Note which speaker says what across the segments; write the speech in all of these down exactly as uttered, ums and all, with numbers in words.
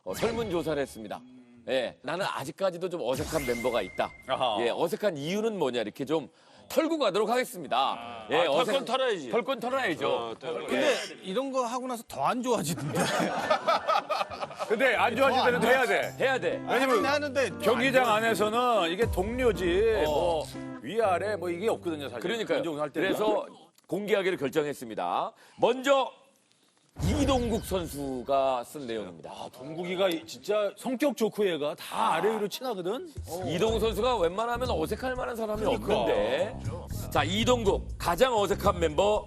Speaker 1: 어, 설문조사를 했습니다. 예, 나는 아직까지도 좀 어색한 멤버가 있다.
Speaker 2: 아하.
Speaker 1: 예, 어색한 이유는 뭐냐 이렇게 좀 털고 가도록 하겠습니다. 예,
Speaker 2: 아, 털건 털어야지.
Speaker 1: 털건 털어야죠.
Speaker 2: 어, 털건.
Speaker 3: 근데 이런 거 하고 나서 더 안 좋아지던데.
Speaker 2: 근데 안 좋아지더라도 해야 돼.
Speaker 1: 해야 돼.
Speaker 3: 왜냐면 하는데
Speaker 2: 경기장 안에서는 이게 동료지
Speaker 1: 어.
Speaker 2: 뭐 위아래 뭐 이게 없거든요 사실.
Speaker 1: 그러니까요.
Speaker 2: 운동할 때는.
Speaker 1: 그래서 공개하기로 결정했습니다. 먼저 이동국 선수가 쓴 내용입니다.
Speaker 2: 아, 동국이가 진짜 성격 좋고 얘가 다 아래 위로 친하거든.
Speaker 1: 이동국 선수가 웬만하면 어색할 만한 사람이
Speaker 2: 그러니까.
Speaker 1: 없는데. 자, 이동국 가장 어색한 mem버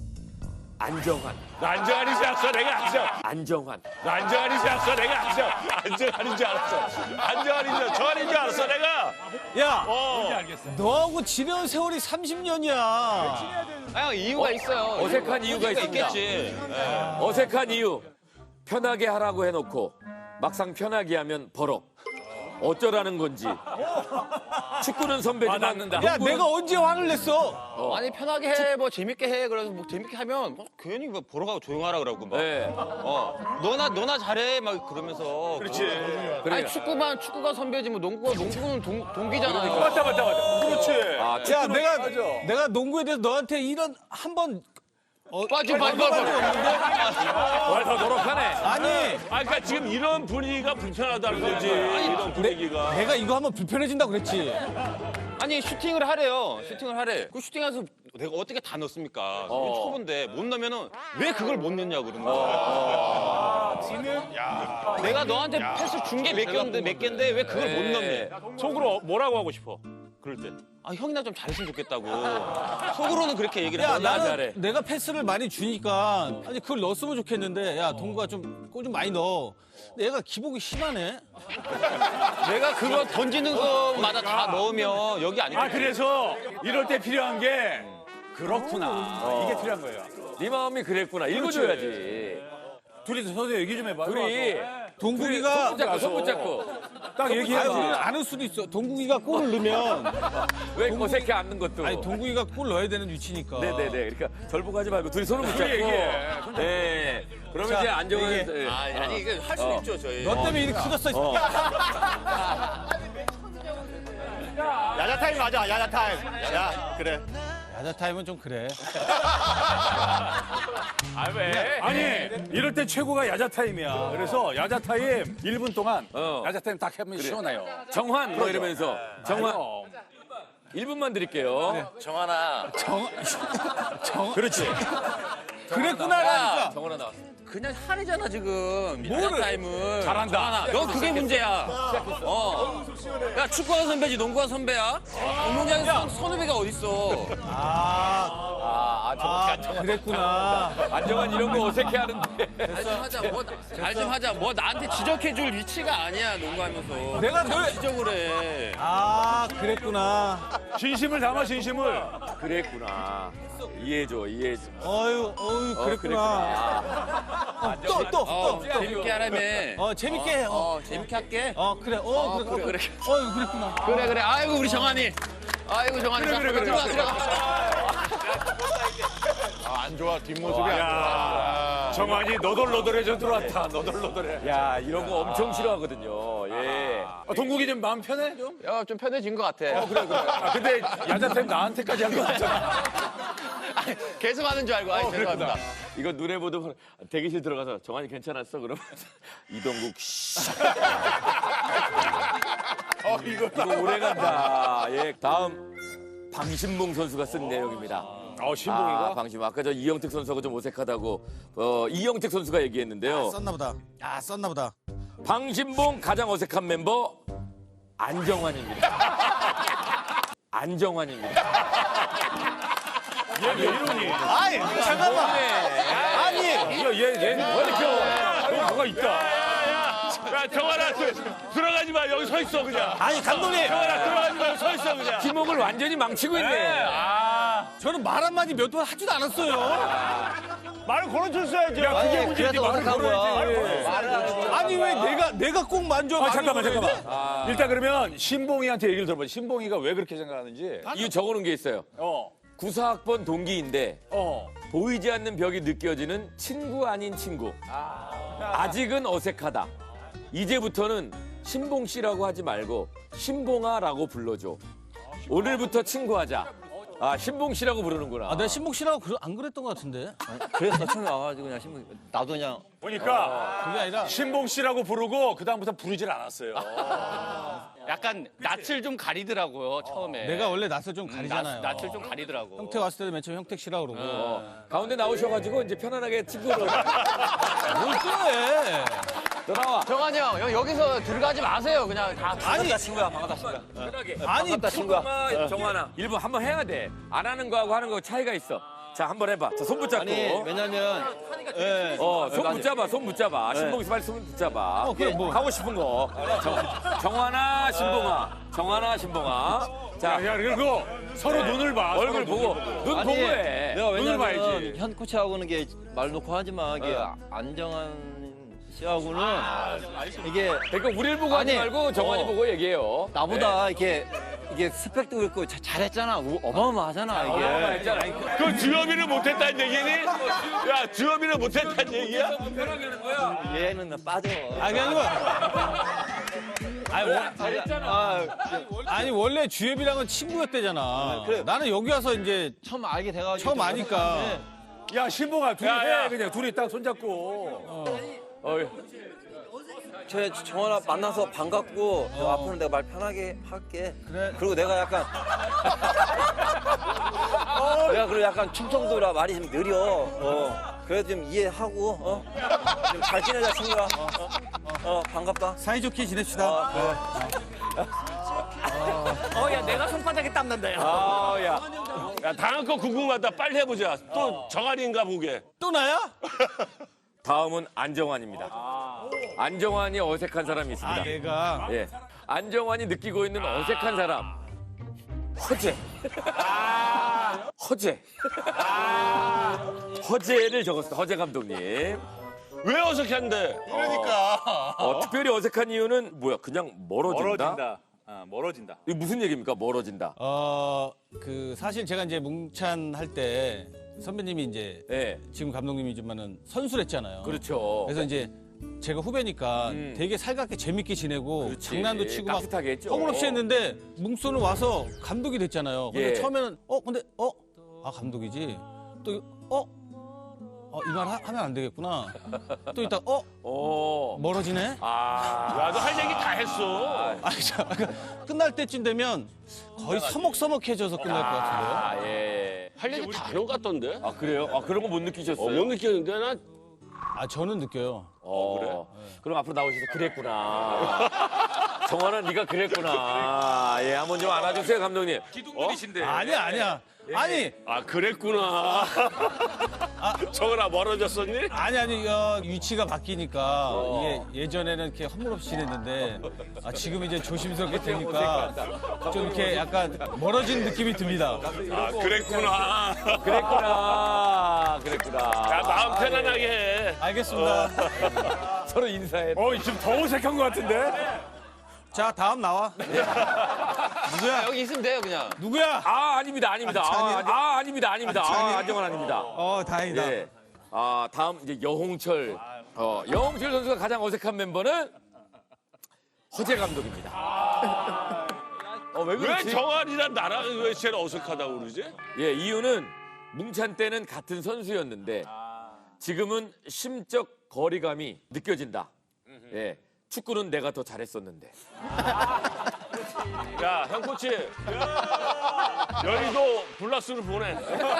Speaker 1: 안정환.
Speaker 2: 안정환인 줄 알았어 내가 안정.
Speaker 1: 안정환.
Speaker 2: 안정환인 줄 알았어 내가 안정. 안정환인 줄 알았어. 안정환인 줄 정환인 줄 알았어 내가.
Speaker 3: 야,
Speaker 2: 어.
Speaker 3: 너하고 지내온 세월이 삼십 년이야.
Speaker 4: 아, 이유가 있어요.
Speaker 1: 어색한 이유가 있습니다.
Speaker 4: 있겠지.
Speaker 1: 어색한 이유. 편하게 하라고 해놓고 막상 편하게 하면 버럭. 어쩌라는 건지. 축구는 선배지만
Speaker 2: 화났는다.
Speaker 3: 야,
Speaker 1: 농구는-
Speaker 3: 내가 언제 화를 냈어?
Speaker 4: 아니 편하게 해, 뭐 재밌게 해. 그래서 뭐 재밌게 하면 뭐 괜히 뭐 보러 가고 조용하라 그러고 막.
Speaker 1: 네.
Speaker 4: 어, 너나 너나 잘해 막 그러면서.
Speaker 2: 그렇지.
Speaker 4: 아니 축구만 축구가 선배지 뭐 농구가 농구는 동, 동기잖아요.
Speaker 2: 맞다 맞다 맞다. 그렇지.
Speaker 1: 아,
Speaker 3: 야, 내가
Speaker 2: 맞아.
Speaker 3: 내가 농구에 대해서 너한테 이런 한번
Speaker 4: 빠지 빠지 빠지.
Speaker 1: 뭘 더 노력하네.
Speaker 3: 아니,
Speaker 2: 아 그러니까 지금 이런 분위기가 불편하다는 거지. 이런 분위기가.
Speaker 3: 내가 이거 하면 불편해진다고 그랬지.
Speaker 4: 아니 슈팅을 하래요. 슈팅을 하래. 그 슈팅해서 내가 어떻게 다 넣습니까?
Speaker 1: 어.
Speaker 4: 초보인데 못 넣으면은 왜 그걸 못 넣냐 그러는 거야. 내가 너한테 패스 준 게 몇 개인데 몇 개인데 왜 그걸 못
Speaker 1: 네.
Speaker 4: 넣니?
Speaker 2: 속으로 뭐라고 하고 싶어? 그럴 때.
Speaker 4: 아 형이나 좀 잘했으면 좋겠다고. 속으로는 그렇게 얘기를
Speaker 3: 야,
Speaker 4: 하지.
Speaker 3: 나는
Speaker 1: 잘해.
Speaker 3: 내가 패스를 많이 주니까 아니 그걸 넣었으면 좋겠는데 야, 동구가 좀 골 좀 많이 넣어. 근데 얘가 기복이 심하네.
Speaker 4: 내가 그거 던지는 것마다 다 넣으면 여기 아니거든.
Speaker 2: 아 그래서 이럴 때 필요한 게 그렇구나. 이게 필요한 거예요.
Speaker 1: 네 마음이 그랬구나. 읽어줘야지.
Speaker 2: 둘이서 서서 얘기 좀 해봐.
Speaker 1: 둘이
Speaker 3: 동국이가
Speaker 1: 손붙잡고 손붙잡고.
Speaker 2: 딱
Speaker 3: 아니,
Speaker 2: 얘기해.
Speaker 3: 우리는 아는 수도 있어. 동국이가 골을 넣으면
Speaker 1: 왜 어색해 않는 것도.
Speaker 3: 아니 동국이가 골 넣어야 되는 위치니까.
Speaker 1: 네네네. 그러니까 절 보고 하지 말고 둘이 손을 붙잡고.
Speaker 2: 얘기해.
Speaker 1: 네. 그러면
Speaker 3: 자,
Speaker 1: 이제 안정은.
Speaker 3: 얘기해.
Speaker 1: 예.
Speaker 4: 아니, 아니 이거 할 수
Speaker 1: 어.
Speaker 4: 있죠 저희.
Speaker 3: 너 때문에 일이 커졌어. 이 새끼야.
Speaker 5: 야자 타임 맞아, 야자 타임. 야, 그래.
Speaker 3: 야자 타임은 좀 그래.
Speaker 2: 아 왜? 아니 이럴 때 최고가 야자 타임이야. 그래서 야자 타임 일 분 동안
Speaker 1: 어.
Speaker 2: 야자 타임 딱 하면 시원해요.
Speaker 1: 정환 뭐 이러면서 정환
Speaker 2: 그럼.
Speaker 1: 일 분만 드릴게요.
Speaker 4: 정하나.
Speaker 2: 그렇지.
Speaker 3: 그랬구나라니까.
Speaker 1: 정환아 나왔어.
Speaker 4: 그냥 하래잖아 지금. 야자 타임은.
Speaker 2: 잘한다.
Speaker 4: 정하나. 너 그게 문제야. 어. 야 축구가 선배지 농구가 선배야? 운동장에서 선후배가 어딨어?
Speaker 3: 아,
Speaker 1: 아, 정환.
Speaker 3: 그랬구나.
Speaker 1: 안정환 이런 거 어색해 하는데.
Speaker 4: 잘 좀 하자. 뭐 잘 좀 하자. 뭐 나한테 지적해줄 위치가 아니야 농구하면서.
Speaker 3: 내가 널
Speaker 4: 지적을 해.
Speaker 3: 아, 그랬구나.
Speaker 2: 진심을 담아 진심을.
Speaker 1: 그랬구나. 이해해줘, 이해해줘.
Speaker 3: 어유, 어유,
Speaker 1: 어,
Speaker 3: 그랬구나. 어, 또, 또,
Speaker 4: 어
Speaker 3: 또, 또.
Speaker 4: 재밌게 하라며.
Speaker 3: 어, 재밌게 해. 어,
Speaker 4: 어 재밌게 할게.
Speaker 3: 어 그래. 어, 그래,
Speaker 4: 그래,
Speaker 3: 어,
Speaker 4: 그래.
Speaker 3: 어유, 그랬구나.
Speaker 4: 그래 그래. 아이고 우리 정한이. 아이고 정한이. 그래 그래 그래. 들어가 들어가.
Speaker 5: 안 좋아, 뒷모습이 안 좋아.
Speaker 2: 야 정환이 너덜너덜해져 들어왔다. 너덜너덜해.
Speaker 1: 야, 이런 거 엄청 싫어하거든요. 예.
Speaker 2: 아, 동국이 좀 마음 편해 좀?
Speaker 4: 야 좀 편해진 것 같아.
Speaker 2: 아 근데 야자 타임 나한테까지 한 거 같잖아.
Speaker 4: 계속 하는 줄 알고. 아이 죄송합니다.
Speaker 1: 이거 눈에 보도 대기실 들어가서 정환이 괜찮았어? 그러면 이동국 씨.
Speaker 2: 어 이거.
Speaker 1: 이거 오래 간다. 예. 다음 방신봉 선수가 쓴 내용입니다.
Speaker 2: 어 신봉이가.
Speaker 1: 아, 방신봉. 아까 저 이영택 선수하고 좀 어색하다고 어, 이영택 선수가 얘기했는데요.
Speaker 3: 썼나 보다. 아, 썼나 보다.
Speaker 1: 방신봉 가장 어색한 멤버 안정환입니다. 안정환입니다.
Speaker 2: 얘 이러니.
Speaker 3: 아이, 잠깐만. 아니,
Speaker 2: 얘얘얘 왜 이렇게 어, 뭐가 있다. 야 정환아 들어가지 마 여기 서 있어 그냥.
Speaker 3: 아니, 감독님.
Speaker 2: 정환아 들어가지 마 서 있어 그냥.
Speaker 1: 팀워크를 완전히 망치고 있네.
Speaker 2: 아
Speaker 3: 저는 말 한마디 몇 번 하지도 않았어요.
Speaker 2: 말을 걸어줬어야지. 야 그게 문제지 말을 걸어야지.
Speaker 3: 아니, 왜 내가, 내가 꼭 만져.
Speaker 2: 아 잠깐만 잠깐만. 일단 그러면 신봉이한테 얘기를 들어봐. 신봉이가 왜 그렇게 생각하는지.
Speaker 1: 이거 적어놓은 게 있어요.
Speaker 2: 어
Speaker 1: 구사 학번 동기인데
Speaker 2: 어.
Speaker 1: 보이지 않는 벽이 느껴지는 친구 아닌 친구. 아직은 어색하다. 이제부터는 신봉 씨라고 하지 말고 신봉아라고 불러줘. 오늘부터 친구하자. 아, 신봉 씨라고 부르는구나.
Speaker 3: 아, 내가 신봉 씨라고 그- 안 그랬던 것 같은데.
Speaker 4: 그래서 처음에 와가지고 그냥 신문 나도 그냥
Speaker 2: 보니까
Speaker 3: 그게 아니라
Speaker 2: 신봉 씨라고 부르고 그 다음부터 부르질 않았어요.
Speaker 4: 약간 낯을 좀 가리더라고요 처음에.
Speaker 3: 내가 원래 낯을 좀 가리잖아요.
Speaker 4: 낯, 을 좀 가리더라고.
Speaker 3: 형태 왔을 때도 맨 처음 형택 씨라고 그러고.
Speaker 1: 어, 가운데 나오셔가지고 이제 편안하게 친구로.
Speaker 3: 뭘 또
Speaker 1: 돌아와.
Speaker 4: 정한이 형 여- 여기서 들어가지 마세요. 그냥 다
Speaker 3: 아니,
Speaker 4: 친구야 반갑다 친구야.
Speaker 1: 편하게.
Speaker 3: 아니,
Speaker 1: 친구야. 정환아. 일부 한번 해야 돼. 안 하는 거하고 하는 거 차이가 있어. 자, 한번 해봐. 자, 손 붙잡고.
Speaker 4: 왜냐면 예.
Speaker 1: 어, 손 붙잡아, 손 붙잡아. 신봉이 빨리 손 붙잡아.
Speaker 3: 어, 그래, 뭐.
Speaker 1: 하고 싶은 거. 정, 정환아, 신봉아. 정환아, 신봉아. 자,
Speaker 2: 야, 그리고 서로 눈을 봐.
Speaker 1: 얼굴
Speaker 2: 서로
Speaker 1: 보고,
Speaker 2: 눈을 보고.
Speaker 1: 눈 보고 해.
Speaker 6: 내가
Speaker 2: 눈을 봐야지.
Speaker 6: 왜냐면 현 코치하고는 게 말 놓고 하지만 이게 안정환 씨하고는 이게
Speaker 1: 그러니까 우리를 보고 하지
Speaker 6: 아니,
Speaker 1: 말고 정환이
Speaker 6: 어.
Speaker 1: 보고 얘기해요.
Speaker 6: 나보다 이렇게 이게 스펙도 그렇고 자- 잘했잖아. 우- 어마어마하잖아 이게.
Speaker 1: 했잖아.
Speaker 2: 그 주엽이를 못했다는 얘기니? 야, 주엽이를 못했다는 얘기야?
Speaker 6: 얘는 나 빠져.
Speaker 3: 아, 그게 아니고. 아니, 원-
Speaker 6: 아,
Speaker 3: 아니, 원래 주엽이랑은 친구였대잖아.
Speaker 6: 그래.
Speaker 3: 나는 여기 와서 이제
Speaker 6: 처음 알게 돼가지고
Speaker 3: 처음 아니까.
Speaker 2: 야, 신봉아, 둘이
Speaker 1: 야, 야.
Speaker 2: 해. 그냥 둘이 딱 손잡고.
Speaker 1: 어,
Speaker 6: 저 정원아 만나서 반갑고 너 앞으로 내가 말 편하게 할게.
Speaker 3: 그래.
Speaker 6: 그리고 내가 약간 내가 그리고 약간 충청도라 말이 좀 느려. 어. 그래도 좀 이해하고 어. 좀 잘 지내자 친구야. 어, 어. 어, 반갑다.
Speaker 3: 사이좋게 지냅시다.
Speaker 4: 어, 야, 내가 손바닥에 땀 난다, 야.
Speaker 1: 아, 야.
Speaker 2: 야, 다음 거 궁금하다. 빨리 해보자. 또 정한이인가 보게.
Speaker 3: 또 나야?
Speaker 1: 다음은 안정환입니다. 안정환이 어색한 사람이 있습니다.
Speaker 3: 아, 내가.
Speaker 1: 예. 안정환이 느끼고 있는 어색한 사람. 허재. 허재. 허재를 적었습니다. 허재 감독님.
Speaker 2: 왜 어색한데?
Speaker 1: 어, 특별히 어색한 이유는 뭐야? 그냥 멀어진다?
Speaker 5: 멀어진다. 아, 멀어진다.
Speaker 1: 이게 무슨 얘기입니까? 멀어진다.
Speaker 3: 어, 그 사실 제가 이제 뭉찬 할 때 선배님이 이제
Speaker 1: 예.
Speaker 3: 지금 감독님이지만은 선수를 했잖아요.
Speaker 1: 그렇죠.
Speaker 3: 그래서 이제 제가 후배니까
Speaker 1: 음.
Speaker 3: 되게 살갑게 재밌게 지내고
Speaker 1: 그렇지.
Speaker 3: 장난도 치고 막
Speaker 1: 깍듯하게 했죠.
Speaker 3: 허물없이 했는데 뭉소는 와서 감독이 됐잖아요. 근데
Speaker 1: 예.
Speaker 3: 처음에는 어 근데 어 아 감독이지 또 어 어, 이 말 하면 안 되겠구나. 또 이따 어
Speaker 1: 오.
Speaker 3: 멀어지네.
Speaker 1: 아.
Speaker 2: 야, 너 할 얘기 다 했어.
Speaker 3: 아, 자, 끝날 때쯤 되면 거의 서먹서먹해져서 끝날 것 같은데요.
Speaker 1: 아, 예.
Speaker 2: 할 얘기 다 하는 것 같던데?
Speaker 1: 아, 그래요? 아, 그런 거 못 느끼셨어요?
Speaker 2: 어, 못 느꼈는데, 나
Speaker 3: 아 저는 느껴요.
Speaker 1: 어, 그래? 그럼 앞으로 나오셔서 그랬구나. 정환아, 네가 그랬구나. 예, 한번 좀 안아주세요, 감독님. 기둥들이신데.
Speaker 3: 아니야 아니야. 아니
Speaker 2: 아, 그랬구나. 정은아, 멀어졌었니?
Speaker 3: 아니 아니 어, 위치가 바뀌니까 이게 예전에는 이렇게 허물없이 지냈는데 아, 지금 이제 조심스럽게 되니까 좀 이렇게 약간 멀어진 느낌이 듭니다.
Speaker 2: 아, 그랬구나.
Speaker 1: 그랬구나. 그랬구나.
Speaker 2: 야, 마음 편안하게 해.
Speaker 3: 알겠습니다.
Speaker 1: 서로 인사해.
Speaker 2: 어, 지금 더 어색한 것 같은데?
Speaker 3: 자 다음 나와. 누구야?
Speaker 4: 여기 있으면 돼요, 그냥.
Speaker 3: 누구야?
Speaker 1: 아, 아닙니다, 아닙니다. 아, 아, 아닙니다, 아닙니다. 아, 안정환 아닙니다.
Speaker 3: 어 다행이다.
Speaker 1: 예. 아, 다음 이제 여홍철. 어, 여홍철 선수가 가장 어색한 멤버는 허재 감독입니다. 어, 왜
Speaker 2: 왜
Speaker 1: 그렇지?
Speaker 2: 정한이랑 나랑 왜 제일 어색하다고 그러지?
Speaker 1: 예, 이유는 뭉찬 때는 같은 선수였는데 지금은 심적 거리감이 느껴진다. 예. 축구는 내가 더 잘했었는데.
Speaker 2: 야, 형 코치. 여의도 블락스를 보내.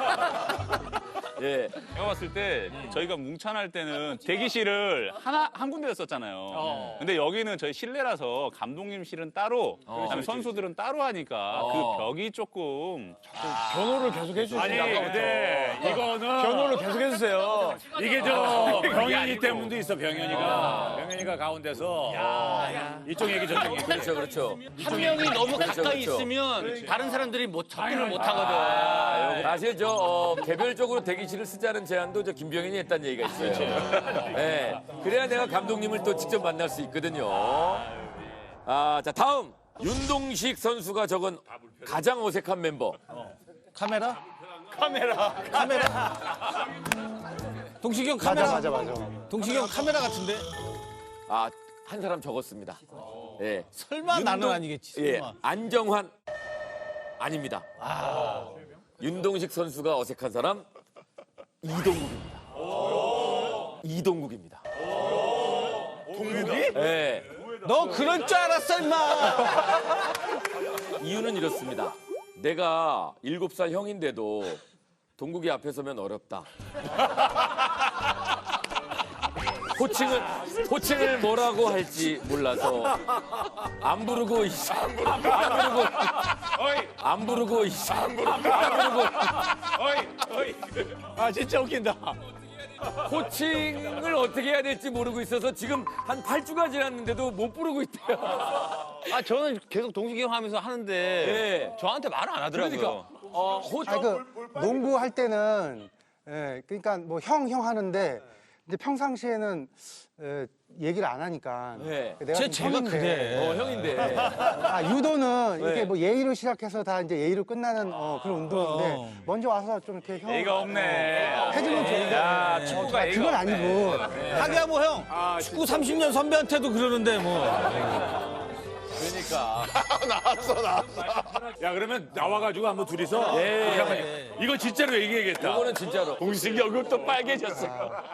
Speaker 1: 예.
Speaker 7: 제가 봤을 때 저희가 뭉찬할 때는 대기실을 하나 한 군데였었잖아요. 근데 여기는 저희 실내라서 감독님실은 따로, 그다음에 선수들은 따로 하니까 그 벽이 조금
Speaker 2: 변호를 계속 해주시고. 아니, 근데 이거는. 변호를 계속 해주세요. 이게 저 병현이 때문도 있어, 병현이가. 병현이가 가운데서. 이쪽 얘기 저쪽 얘기.
Speaker 1: 그렇죠, 그렇죠.
Speaker 4: 한 명이 너무
Speaker 1: 그렇죠,
Speaker 4: 가까이
Speaker 1: 그렇죠.
Speaker 4: 있으면 다른 사람들이 못 접근을 못 하거든.
Speaker 1: 사실 저 어, 개별적으로 대기실을 쓰자는 제안도 저 김병현이 했다는 얘기가 있어요. 예. 그래야 내가 감독님을 또 직접 만날 수 있거든요. 아, 자 다음 윤동식 선수가 적은 가장 어색한 멤버.
Speaker 3: 카메라? 카메라. 카메라. 동식이 형 카메라.
Speaker 5: 맞아, 맞아, 맞아.
Speaker 3: 동식이 형 카메라 같은데.
Speaker 1: 아, 한 사람 적었습니다. 예.
Speaker 3: 설마 나는
Speaker 1: 윤동-
Speaker 3: 아니겠지.
Speaker 1: 예.
Speaker 3: 설마.
Speaker 1: 안정환 아닙니다. 윤동식 선수가 어색한 사람 이동국입니다. 이동국입니다. 동국이? 예.
Speaker 3: 너 그럴 줄 알았어 임마.
Speaker 1: 이유는 이렇습니다. 내가 일곱 살 형인데도 동국이 앞에 서면 어렵다. 호칭을 호칭을 뭐라고 할지 몰라서 안 부르고 이씨 안 부르고 안 부르고 이씨 안 부르고
Speaker 2: 아 진짜 웃긴다.
Speaker 1: 호칭을 어떻게 해야 될지 모르고 있어서 지금 한 팔 주가 지났는데도 못 부르고 있대요.
Speaker 4: 아 저는 계속 동식이 형 하면서 하는데
Speaker 1: 예.
Speaker 4: 저한테 말을 안 하더라고요.
Speaker 1: 그러니까 어, 호,
Speaker 8: 아니 그 농구 할 때는 예, 그러니까 뭐 형 형 하는데 이제 평상시에는 예, 얘기를 안 하니까
Speaker 1: 네.
Speaker 8: 내가
Speaker 3: 쟤
Speaker 8: 좀
Speaker 3: 제가
Speaker 8: 형인데,
Speaker 3: 그래.
Speaker 1: 어, 형인데.
Speaker 8: 아 유도는
Speaker 1: 네.
Speaker 8: 이렇게 뭐 예의로 시작해서 다 이제 예의로 끝나는 어, 그런 운동인데
Speaker 3: 어.
Speaker 8: 먼저 와서 좀 이렇게 형
Speaker 2: 예의가 없네.
Speaker 8: 해주면 좋은데
Speaker 2: 야 축구가
Speaker 8: 아,
Speaker 2: 예의가
Speaker 8: 그건
Speaker 2: 없네.
Speaker 8: 아니고
Speaker 3: 하기야 뭐 형. 축구 삼십 년 선배한테도 그러는데 뭐.
Speaker 1: 그러니까.
Speaker 2: 야 그러면 나와가지고 한번 둘이서
Speaker 1: 예.
Speaker 2: 이거 한번 이거 진짜로 얘기해야겠다.
Speaker 1: 이거는 진짜로.
Speaker 2: 동식이 얼굴도 빨개졌어.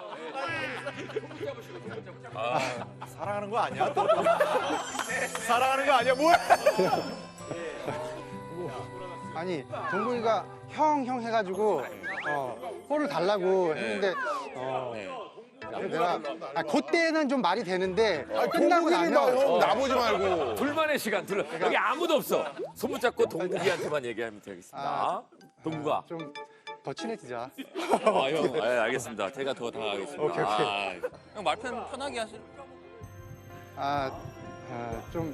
Speaker 5: 사랑하는 거 아니야? 사랑하는 거 아니야? 뭐야?
Speaker 8: 아니 동국이가 형 형 해가지고 어, 볼을 달라고 했는데 어, 그래서 내가 아, 그때는 좀 말이 되는데 끝나고 나면
Speaker 5: 형 나보지 말고.
Speaker 1: 둘만의 시간, 둘. 여기 아무도 없어. 손 붙잡고 동국이한테만 얘기하면 되겠습니다.
Speaker 8: 아.
Speaker 1: 동국아.
Speaker 8: 좀 더 친해지자.
Speaker 1: 아, 형. 네, 알겠습니다. 제가 더 다가가겠습니다.
Speaker 8: 오케이, 오케이.
Speaker 1: 아,
Speaker 4: 형 말 편, 편하게 하세요.
Speaker 8: 아, 아, 좀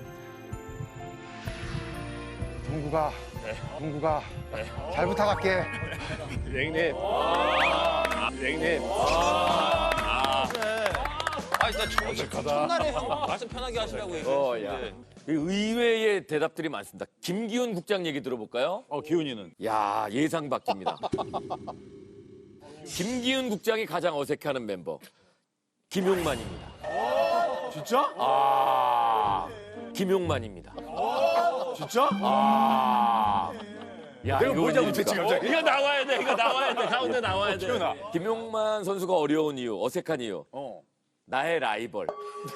Speaker 8: 동구가 동구가 잘 부탁할게.
Speaker 5: 형님. 형님.
Speaker 4: 아 진짜 저, 첫날에 형 말씀 편하게 하시라고
Speaker 1: 어, 야.
Speaker 4: 얘기했는데.
Speaker 1: 의외의 대답들이 많습니다. 김기훈 국장 얘기 들어볼까요?
Speaker 2: 어 기훈이는
Speaker 1: 야, 예상 밖입니다. 김기훈 국장이 가장 어색해하는 멤버. 김용만입니다.
Speaker 5: 진짜?
Speaker 1: 아, 김용만입니다.
Speaker 5: 진짜?
Speaker 1: 아. 야,
Speaker 5: 내가
Speaker 1: 이거
Speaker 5: 뭘 잘못했지
Speaker 1: 뭡니까?
Speaker 5: 갑자기?
Speaker 4: 이거 나와야 돼. 이거 나와야 돼. 가운데 나와야 돼.
Speaker 2: 기훈아.
Speaker 1: 김용만 선수가 어려운 이유, 어색한 이유.
Speaker 2: 어.
Speaker 1: 나의 라이벌.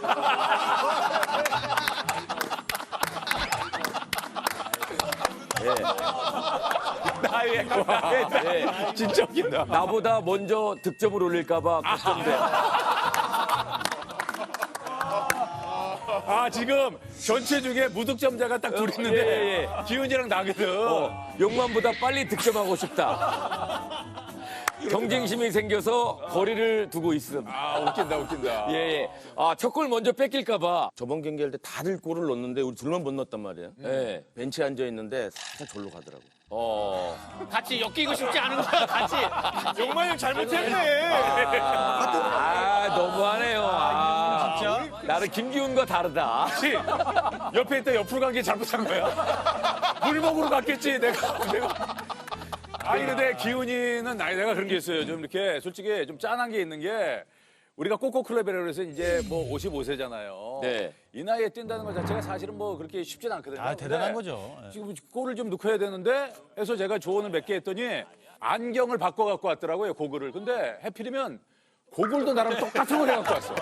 Speaker 2: 나의
Speaker 1: 예.
Speaker 2: 진짜 웃긴다.
Speaker 1: 나보다 먼저 득점을 올릴까봐 걱정돼.
Speaker 2: 아 지금 전체 중에 무득점자가 딱 둘 있는데
Speaker 1: 예, 예.
Speaker 2: 기훈이랑 나거든.
Speaker 1: 어, 용만보다 빨리 득점하고 싶다. 경쟁심이 생겨서 거리를 두고 있음.
Speaker 2: 아 웃긴다 웃긴다.
Speaker 1: 예, 예. 아, 첫 골 먼저 뺏길까봐.
Speaker 9: 저번 경기할 때 다들 골을 넣었는데 우리 둘만 못 넣었단 말이에요.
Speaker 1: 예.
Speaker 9: 벤치에 앉아 있는데 살짝 절로 가더라고.
Speaker 1: 어.
Speaker 4: 같이 엮이고 싶지 않은 거야. 같이.
Speaker 5: 용만이 형 잘못했네.
Speaker 1: 아, 너무하네요. 아, 진짜? 나는 김기훈과 다르다.
Speaker 2: 혹시 옆에 있다 옆으로 간 게 잘못한 거야? 물 먹으러 갔겠지 내가 내가. 아니 근데 기훈이는 나이 내가 그런 게 있어요. 좀 이렇게 솔직히 좀 짠한 게 있는 게 우리가 꼬꼬클럽이라고 해서 이제 뭐 오십오 세잖아요.
Speaker 1: 네.
Speaker 2: 이 나이에 뛴다는 것 자체가 사실은 뭐 그렇게 쉽진 않거든요.
Speaker 3: 아 대단한
Speaker 2: 근데
Speaker 3: 거죠. 예.
Speaker 2: 지금 골을 좀 넣고 해야 되는데 해서 제가 조언을 몇 개 했더니 안경을 바꿔 갖고 왔더라고요 고글을. 근데 해필이면 고글도 나랑 똑같은 걸 해갖고 왔어.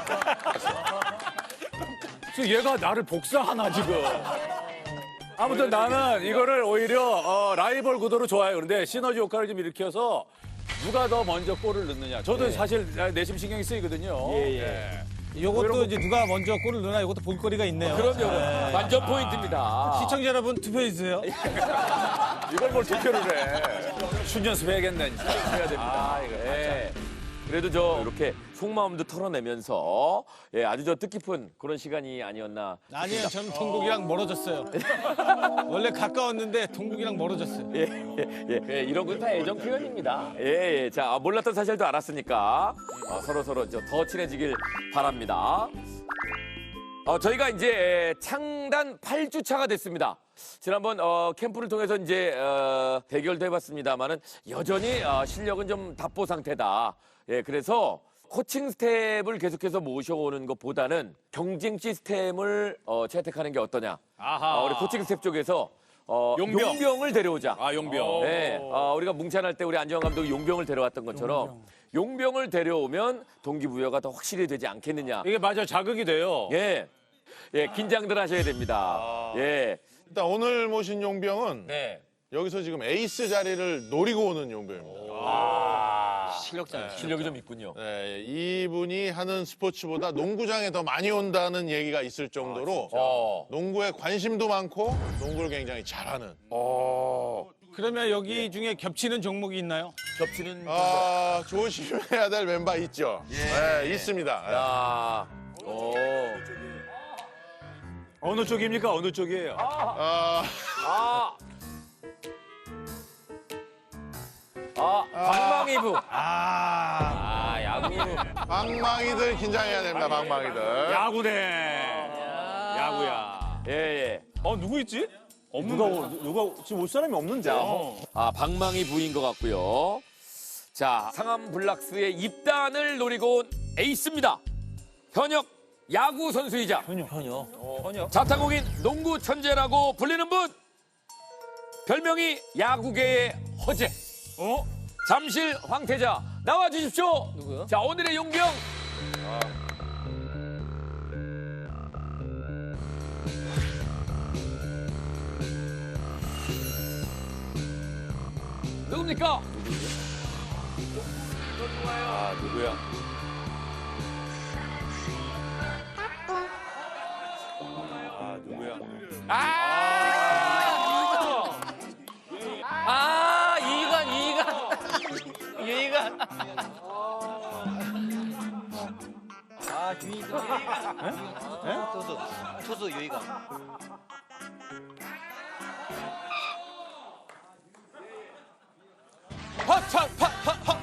Speaker 2: 그래서 얘가 나를 복사하나 지금. 아무튼 나는 이거를 오히려 어, 라이벌 구도로 좋아해요. 그런데 시너지 효과를 좀 일으켜서 누가 더 먼저 골을 넣느냐. 저도 사실 내심 신경이 쓰이거든요.
Speaker 1: 예, 예.
Speaker 3: 요것도 이제 누가 먼저 골을 넣나 이것도 볼거리가 있네요.
Speaker 1: 그럼요. 완전 포인트입니다.
Speaker 3: 시청자 여러분 투표해 주세요.
Speaker 2: 이걸 뭘 투표를 해. 춘연습 해야겠네. 진짜. 해야 됩니다.
Speaker 1: 아, 이거 예. 그래도 저 이렇게 속마음도 털어내면서 예, 아주 저 뜻깊은 그런 시간이 아니었나.
Speaker 3: 아니에요. 저는 동국이랑 멀어졌어요. 원래 가까웠는데 동국이랑 멀어졌어요.
Speaker 1: 예, 예, 예. 예, 이런 건 다 애정 표현입니다. 예, 예. 자, 아, 몰랐던 사실도 알았으니까 어, 서로 서로 저 더 친해지길 바랍니다. 어, 저희가 이제 창단 팔 주 차가 됐습니다. 지난번 어, 캠프를 통해서 이제 어, 대결도 해봤습니다만은 여전히 어, 실력은 좀 답보 상태다. 예, 그래서 코칭 스텝을 계속해서 모셔오는 것보다는 경쟁 시스템을 어, 채택하는 게 어떠냐.
Speaker 2: 아하.
Speaker 1: 어, 우리 코칭 스텝 쪽에서 어,
Speaker 2: 용병.
Speaker 1: 을 데려오자.
Speaker 2: 아, 용병.
Speaker 1: 네, 어, 우리가 뭉찬할 때 우리 안정환 감독이 용병을 데려왔던 것처럼 용병. 을 데려오면 동기부여가 더 확실히 되지 않겠느냐.
Speaker 2: 이게 맞아 자극이 돼요.
Speaker 1: 예, 예, 긴장들 하셔야 됩니다. 예,
Speaker 10: 일단 오늘 모신 용병은
Speaker 1: 네.
Speaker 10: 여기서 지금 에이스 자리를 노리고 오는 용병입니다.
Speaker 4: 실력자.
Speaker 1: 실력이 좀 있군요.
Speaker 10: 네, 이분이 하는 스포츠보다 농구장에 더 많이 온다는 얘기가 있을 정도로
Speaker 1: 어.
Speaker 10: 농구에 관심도 많고 농구를 굉장히 잘하는.
Speaker 3: 그러면 여기 중에 겹치는 종목이 있나요?
Speaker 1: 겹치는.
Speaker 10: 아, 조심해야 될 멤버 있죠? 네, 있습니다.
Speaker 1: 야, 오.
Speaker 2: 어느 쪽입니까? 어느 쪽이에요?
Speaker 10: 아,
Speaker 1: 아. 아, 방망이부.
Speaker 3: 아,
Speaker 1: 아, 야구부.
Speaker 10: 방망이들 긴장해야 됩니다, 방망이들.
Speaker 2: 야구네. 야구야.
Speaker 1: 예, 예.
Speaker 2: 어 누구 있지?
Speaker 5: 누가 누가 지금 올 사람이 없는데.
Speaker 1: 아, 방망이 부인 것 같고요. 자, 상암 블락스의 입단을 노리고 온 에이스입니다. 현역 야구 선수이자
Speaker 6: 현역. 현역.
Speaker 1: 자타공인 농구 천재라고 불리는 분. 별명이 야구계의 허재.
Speaker 2: 어?
Speaker 1: 잠실 황태자 나와 주십시오.
Speaker 6: 누구요?
Speaker 1: 자, 오늘의 용병. 누굽니까?
Speaker 2: 아 누구야? 아 누구야?
Speaker 1: 아!
Speaker 4: 아, 이관, 이관. 이관.
Speaker 6: 아, 유이가.
Speaker 4: 투수, 투수 유이관.
Speaker 1: 파차 파파파.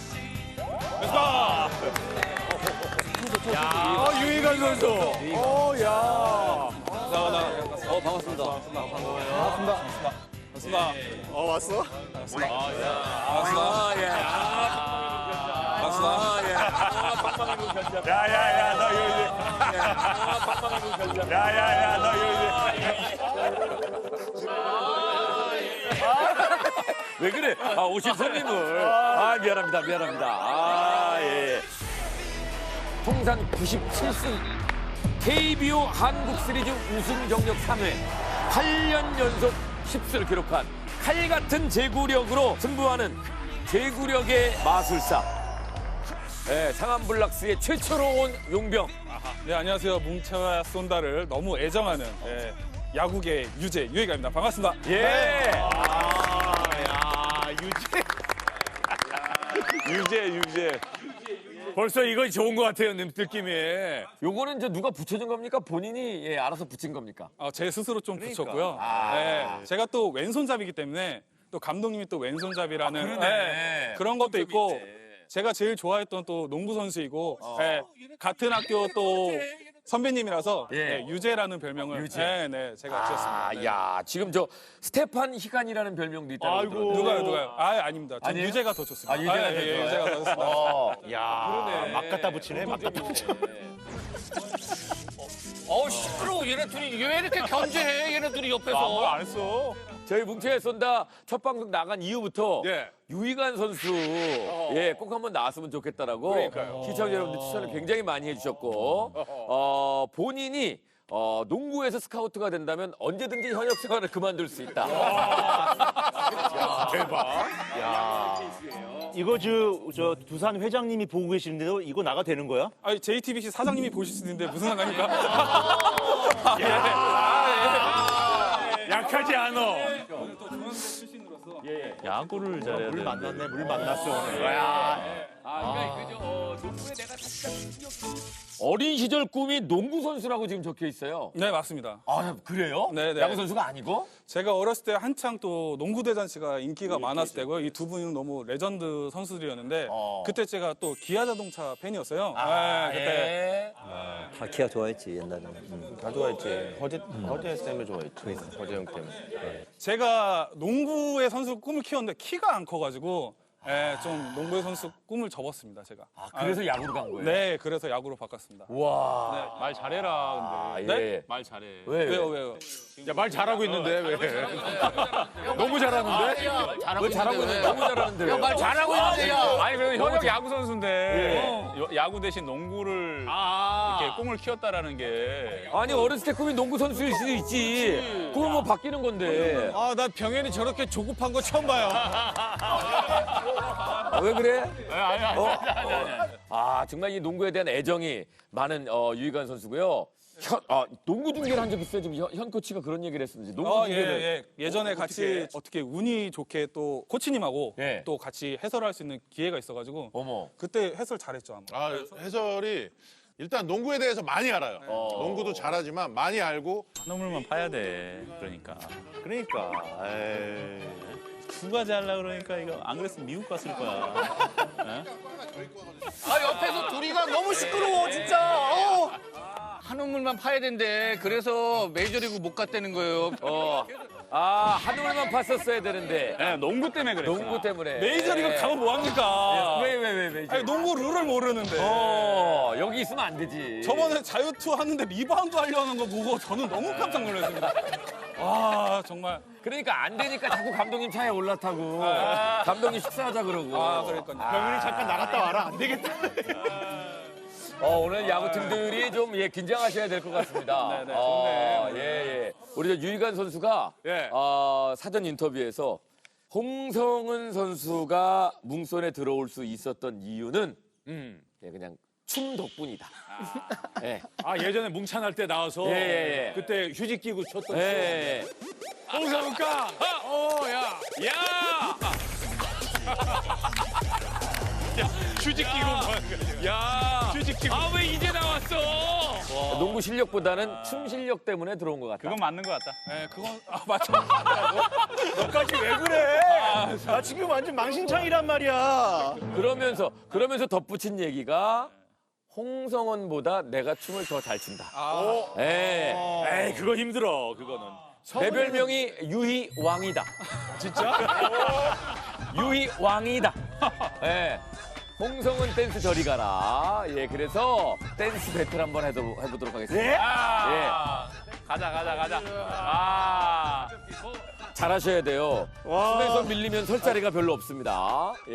Speaker 2: 아 유희관 선수. 어 야.
Speaker 6: 어, 반갑습니다.
Speaker 10: 어, 왔어?
Speaker 1: 아, 예. 박수. 아, 예. 아, 방망이로 견제.
Speaker 2: 야야야 너 이거 이제.
Speaker 1: 아, 방망이로 견제.
Speaker 2: 야야야 너 이거 이제.
Speaker 1: 왜 그래? 아, 오신 손님을. 아, 미안합니다. 미안합니다. 아, 예. 통산 구십칠 승. 케이비오 한국 시리즈 우승 경력 삼 회. 팔 년 연속 십 승을 기록한 칼 같은 제구력으로 승부하는 제구력의 마술사. 예, 상암 블락스의 최초로 온 용병.
Speaker 11: 네, 안녕하세요. 뭉쳐야 쏜다를 너무 애정하는 예, 야구계 유재 유희가입니다. 반갑습니다.
Speaker 1: 예.
Speaker 2: 유재 유재. 벌써 이거 좋은 것 같아요 느낌이.
Speaker 1: 요거는 저 누가 붙여준 겁니까? 본인이 예, 알아서 붙인 겁니까?
Speaker 11: 어, 제 스스로 좀
Speaker 2: 그러니까.
Speaker 11: 붙였고요. 네, 제가 또 왼손잡이기 때문에 또 감독님이 또 왼손잡이라는 네, 그런 것도 있고 제가 제일 좋아했던 또 농구 선수이고 네, 같은 학교 또 선배님이라서
Speaker 1: 예.
Speaker 11: 네, 유재라는 별명을
Speaker 1: 유재.
Speaker 11: 네, 네, 제가 지었습니다.
Speaker 1: 아,
Speaker 11: 네.
Speaker 1: 야, 지금 저 스테판 희간이라는 별명도 있다고
Speaker 2: 아이고.
Speaker 1: 들었는데.
Speaker 11: 누가요, 누가요? 아, 아닙니다. 전
Speaker 1: 아니에요?
Speaker 11: 유재가 더 좋습니다.
Speaker 1: 아, 유재가
Speaker 11: 예,
Speaker 1: 더
Speaker 11: 예,
Speaker 1: 좋아요?
Speaker 11: 유재가 더 좋습니다.
Speaker 1: 어.
Speaker 5: 야, 막 갖다 붙이네. 막 갖다 붙이네.
Speaker 4: 어, 시끄러워. 얘네 둘이 왜 이렇게 견제해? 얘네 둘이 옆에서.
Speaker 2: 아무안 했어.
Speaker 1: 저희 뭉치에 쏜다 첫 방송 나간 이후부터
Speaker 2: 예.
Speaker 1: 유희관 선수 예, 꼭 한번 나왔으면 좋겠다라고
Speaker 2: 그러니까요.
Speaker 1: 시청자 여러분들 추천을 굉장히 많이 해주셨고 어, 본인이 어, 농구에서 스카우트가 된다면 언제든지 현역 생활을 그만둘 수 있다.
Speaker 2: 대박.
Speaker 5: 이거 저, 저 두산 회장님이 보고 계시는데도 이거 나가 되는 거야?
Speaker 11: 아니, 제이티비씨 사장님이 보실 수 있는데 무슨 상관입니까?
Speaker 2: 약하지 않어.
Speaker 7: 야구를 잘해야
Speaker 5: 물
Speaker 7: 돼.
Speaker 5: 만났네, 물 만났어 오늘.
Speaker 1: 어린 시절 꿈이 농구 선수라고 지금 적혀 있어요.
Speaker 11: 네, 맞습니다.
Speaker 1: 아, 그래요?
Speaker 11: 네, 네.
Speaker 1: 야구 선수가 아니고?
Speaker 11: 제가 어렸을 때 한창 또 농구 대잔치가 인기가 많았을 때고요. 이 두 분은 너무 레전드 선수들이었는데
Speaker 1: 어.
Speaker 11: 그때 제가 또 기아 자동차 팬이었어요.
Speaker 1: 아,
Speaker 11: 네, 그때
Speaker 1: 예.
Speaker 6: 다 기아 좋아했지, 옛날에는. 음.
Speaker 9: 다 좋아했지. 허재, 허재 때문에 좋아했지. 허재 형 때문에.
Speaker 11: 제가 농구의 선수 꿈을 키웠는데 키가 안 커가지고 예, 좀 농구의 선수 꿈을 접었습니다, 제가.
Speaker 1: 아, 그래서 야구로 간 거예요?
Speaker 11: 네, 그래서 야구로 바꿨습니다.
Speaker 1: 와.
Speaker 7: 말 잘해라 근데.
Speaker 1: 아, 예.
Speaker 11: 네?
Speaker 7: 말 잘해.
Speaker 1: 왜?
Speaker 11: 왜요, 왜요?
Speaker 2: 야, 말 잘하고 있는데 왜? 너무 잘하는데?
Speaker 1: 왜 잘하고 있는데? 너무 잘하는데. 왜?
Speaker 7: 말 잘하고 있는데. 아니 그래도 현역 야구 선수인데
Speaker 1: 예.
Speaker 7: 여- 야구 대신 농구를
Speaker 1: 아.
Speaker 7: 이렇게 꿈을 키웠다라는 게.
Speaker 1: 아니 어렸을 때 꿈이 농구 선수일 수도 있지. 그건 뭐 바뀌는 건데.
Speaker 3: 아, 난 병현이 저렇게 조급한 거 처음 봐요.
Speaker 1: 아, 왜 그래?
Speaker 7: 아니 아니
Speaker 1: 어?
Speaker 7: 아니 아니. 아니.
Speaker 1: 아 정말 이 농구에 대한 애정이 많은 어, 유희관 선수고요. 현, 아, 농구 중계를 한 적 있어요? 지금 현, 현 코치가 그런 얘기를 했었는지. 농구
Speaker 11: 아, 예,
Speaker 1: 중계를.
Speaker 11: 예. 예전에 같이 어떻게 운이 좋게 또 코치님하고
Speaker 1: 예.
Speaker 11: 또 같이 해설할 수 있는 기회가 있어가지고
Speaker 1: 어머.
Speaker 11: 그때 해설 잘했죠, 아마.
Speaker 10: 아, 해설이 일단 농구에 대해서 많이 알아요.
Speaker 1: 어.
Speaker 10: 농구도 잘하지만 많이 알고
Speaker 7: 한우물만 파야 돼. 그러니까.
Speaker 9: 그러니까. 에이.
Speaker 7: 두 가지 하려고 그러니까 이거 안 그랬으면 미국 갔을 거야.
Speaker 4: 아 옆에서 둘이가 너무 시끄러워 진짜. 어. 한우물만 파야 된대. 그래서 메이저리그 못 갔다는 거예요.
Speaker 1: 어. 아, 한울만 봤었어야 되는데.
Speaker 7: 네, 농구 때문에 그랬어.
Speaker 1: 농구 때문에.
Speaker 11: 메이저리그 가면 뭐합니까?
Speaker 1: 왜, 왜, 왜, 왜?
Speaker 11: 아니, 농구 룰을 모르는데.
Speaker 1: 어, 여기 있으면 안 되지.
Speaker 11: 저번에 자유투 하는데 리바운드 하려는 거 보고 저는 너무 깜짝 놀랐습니다. 아, 정말.
Speaker 1: 그러니까 안 되니까 자꾸 감독님 차에 올라타고. 감독님 식사하자 그러고.
Speaker 11: 아, 그러니까요.
Speaker 5: 병현이 잠깐 나갔다 와라. 안 되겠다.
Speaker 1: 어, 오늘 야구팀들이 좀 예, 긴장하셔야 될 것 같습니다.
Speaker 11: 네, 네,
Speaker 1: 어,
Speaker 11: 좋네요.
Speaker 1: 예, 예. 우리 저 유희관 선수가
Speaker 11: 예.
Speaker 1: 어, 사전 인터뷰에서 홍성은 선수가 뭉손에 들어올 수 있었던 이유는 예, 그냥 춤 덕분이다. 예.
Speaker 2: 아 예전에 뭉찬할 때 나와서
Speaker 1: 예, 예, 예.
Speaker 2: 그때 휴지 끼고 쳤던.
Speaker 1: 예.
Speaker 2: 홍성우가. 어, 야, 야.
Speaker 7: 휴지 끼고 야. 휴지 끼고. 아 왜 이제 나왔어?
Speaker 1: 농구 실력보다는 춤 실력 때문에 들어온 것 같다.
Speaker 7: 그건 맞는 것 같다.
Speaker 11: 네, 그건, 아, 맞죠.
Speaker 5: 너까지 왜 그래? 나 지금 완전 망신창이란 말이야.
Speaker 1: 그러면서 그러면서 덧붙인 얘기가 홍성원보다 내가 춤을 더 잘 춘다. 예.
Speaker 2: 에이 그거 힘들어 그거는.
Speaker 1: 내 별명이 유희 왕이다. 진짜? 유희 왕이다. 예. 홍성은 댄스 저리 가라. 예, 그래서 댄스 배틀 한번 해도, 해보도록 하겠습니다. 예.
Speaker 7: 가자 가자 가자. 아.
Speaker 1: 잘하셔야 돼요. 춤에서 밀리면 설 자리가 별로 없습니다. 예.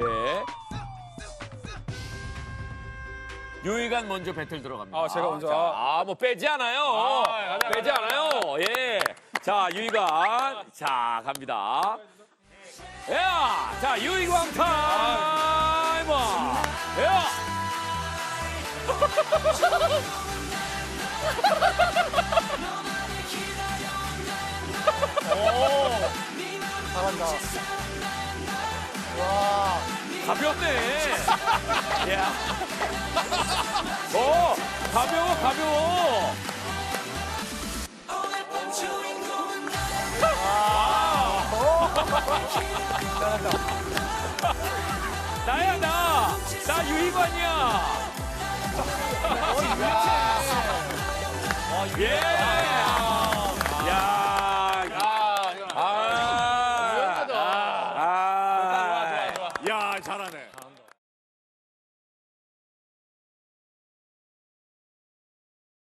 Speaker 1: 유희관 먼저 배틀 들어갑니다.
Speaker 11: 아, 제가 먼저.
Speaker 1: 자, 아, 뭐 빼지 않아요. 빼지 않아요. 예. 자, 유희관. 자, 갑니다. 야! 자, 유희관 타임! 야!
Speaker 8: 잘한다. 와.
Speaker 1: 가볍네. 야. 어, 가벼워, 가벼워. 나야, 나. 나 유희관이야. 예.